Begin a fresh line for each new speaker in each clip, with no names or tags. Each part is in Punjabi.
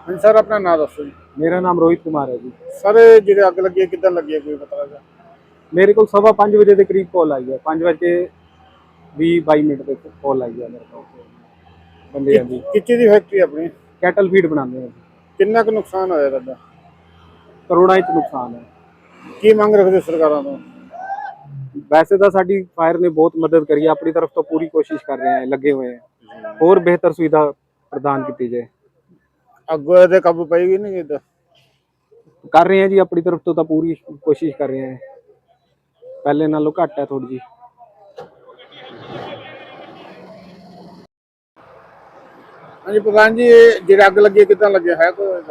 ਹਾਂਜੀ ਸਰ, ਆਪਣਾ ਨਾਮ ਦੱਸੋ ਜੀ।
मेरा नाम रोहित कुमार है जी।
ਸਰ ਜਿਹੜੇ ਅੱਗ ਲੱਗੀ ਹੈ ਕਿੱਦਾਂ ਲੱਗੀ ਹੈ, ਕੋਈ ਪਤਾ ਲੱਗਾ?
मेरे को 5:15 के करीब कॉल आई है, 5:20-22 पे कॉल आई है मेरे को बंदे जी।
ਕਿੱਥੇ ਦੀ ਫੈਕਟਰੀ ਆਪਣੀ?
कैटल फीड बनाते हैं।
ਕਿੰਨਾ ਕੁ ਨੁਕਸਾਨ ਹੋਇਆ ਤੁਹਾਡਾ?
करोड़ों च नुकसान है।
ਕੀ ਮੰਗ ਰੱਖਦੇ ਸਰਕਾਰਾਂ ਤੋਂ?
वैसे तो साडी फायर ने बहुत मदद करी है, अपनी तरफ तो पूरी कोशिश कर रहे हैं, लगे हुए हैं और बेहतर सुविधा प्रदान की जाए।
ਅੱਗੋਂ ਇਹਦੇ ਕਾਬੂ ਪਏਗੀ ਨਹੀਂ ਕਿੱਦਾਂ?
कर रहे हैं जी, अपनी तरफ तो पूरी कोशिश कर रहे हैं, पहले नालों घट है थोड़ी जी।
ਹਾਂਜੀ ਪ੍ਰਧਾਨ ਜੀ, ਇਹ ਜਿਹੜੇ ਅੱਗ ਲੱਗੀ ਹੈ ਕਿੱਦਾਂ ਲੱਗਿਆ ਹੈ ਕੋਈ ਇਹਦਾ?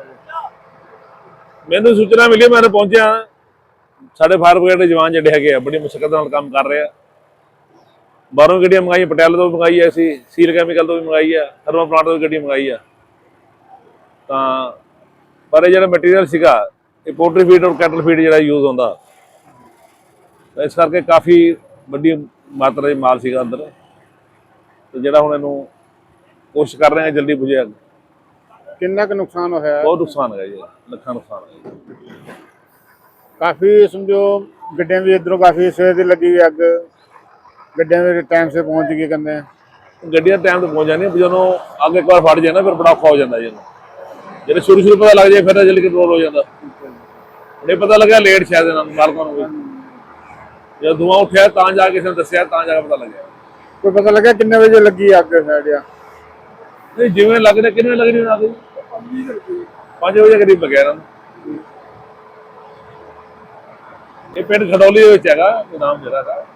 ਮੈਨੂੰ ਸੂਚਨਾ ਮਿਲੀ, ਮੈਂ ਪਹੁੰਚਿਆ। ਸਾਡੇ ਫਾਇਰ ਬ੍ਰਿਗੇਡ ਦੇ ਜਵਾਨ ਜਿਹੜੇ ਹੈਗੇ ਆ ਬੜੀ ਮੁਸ਼ਕਲ ਨਾਲ ਕੰਮ ਕਰ ਰਹੇ ਆ। ਬਾਹਰੋਂ ਗੱਡੀਆਂ ਮੰਗਾਈਆਂ, ਪਟਿਆਲੇ ਤੋਂ ਵੀ ਮੰਗਾਈ ਐ, ਅਸੀਂ ਸੀਲ ਕੈਮੀਕਲ ਤੋਂ ਵੀ ਮੰਗਾਈ ਆ, ਥਰਮਲ ਪਲਾਂਟ ਤੋਂ ਵੀ ਗੱਡੀ ਮੰਗਾਈ ਆ। ਤਾਂ ਪਰ ਇਹ ਜਿਹੜਾ ਮਟੀਰੀਅਲ ਸੀਗਾ, ਇਹ ਪੋਲਟਰੀ ਫੀਡ ਔਰ ਕੈਟਲ ਫੀਡ ਜਿਹੜਾ ਯੂਜ਼ ਹੁੰਦਾ, ਇਸ ਕਰਕੇ ਕਾਫੀ ਵੱਡੀ ਮਾਤਰਾ 'ਚ ਮਾਲ ਸੀਗਾ ਅੰਦਰ। ਤੇ ਜਿਹੜਾ ਹੁਣ ਇਹਨੂੰ ਕੋਸ਼ਿਸ਼ ਕਰ ਰਹੇ ਹਾਂ ਜਲਦੀ ਬੁਝੇ।
ਕਿੰਨਾ ਕੁ ਨੁਕਸਾਨ ਹੋਇਆ?
ਬਹੁਤ ਨੁਕਸਾਨ ਹੈਗਾ ਜੀ, ਲੱਖਾਂ ਨੁਕਸਾਨ ਹੈ ਜੀ।
ਕਾਫੀ ਸਮਝੋ ਗੱਡੀਆਂ ਵੀ ਇੱਧਰੋਂ ਕਾਫੀ ਸਵੇਰ ਦੀ ਲੱਗੀ ਹੋਈ ਅੱਗ, ਗੱਡੀਆਂ ਵੀ ਟਾਈਮ ਸੇ ਪਹੁੰਚ ਗਈ ਕਹਿੰਦੇ।
ਗੱਡੀਆਂ ਟਾਈਮ ਤੇ ਪਹੁੰਚ ਜਾਂਦੀਆਂ, ਜਦੋਂ ਅੱਗ ਇੱਕ ਵਾਰ ਫੜ ਜਾਏ ਨਾ ਫਿਰ ਬੜਾ ਔਖਾ ਹੋ ਜਾਂਦਾ ਜੀ। ਜਦੋਂ ਸ਼ੁਰੂ ਪਤਾ ਲੱਗ ਜਾਏ ਫਿਰ ਜਲਦੀ ਕੰਟਰੋਲ ਹੋ ਜਾਂਦਾ। ਨਹੀਂ ਪਤਾ ਲੱਗਿਆ ਲੇਟ ਸ਼ਾਇਦ ਇਹਨਾਂ ਨੂੰ ਮਾਲਕਾਂ ਨੂੰ ਵੀ, ਜਦੋਂ ਧੂੰਆਂ ਉੱਠਿਆ ਤਾਂ ਜਾ ਕੇ ਕਿਸੇ ਨੇ ਦੱਸਿਆ, ਤਾਂ ਜਾ ਕੇ ਪਤਾ ਲੱਗਿਆ।
ਕੋਈ ਪਤਾ ਲੱਗਿਆ ਕਿੰਨੇ ਵਜੇ ਲੱਗੀ ਅੱਗ ਸਾਈਡ ਆ?
ਨਹੀਂ ਜਿਵੇਂ ਲੱਗਦਾ, ਕਿੰਨੇ ਲੱਗ ਰਹੀ ਅੱਗ? 5 ਵਜੇ ਕਰੀਬ ਲੱਗਿਆ ਇਹਨਾਂ ਨੂੰ। ਇਹ ਪਿੰਡ ਖਡੌਲੀ ਦੇ ਵਿੱਚ ਹੈਗਾ, ਨਾਮ ਜਿਹੜਾ ਹੈਗਾ।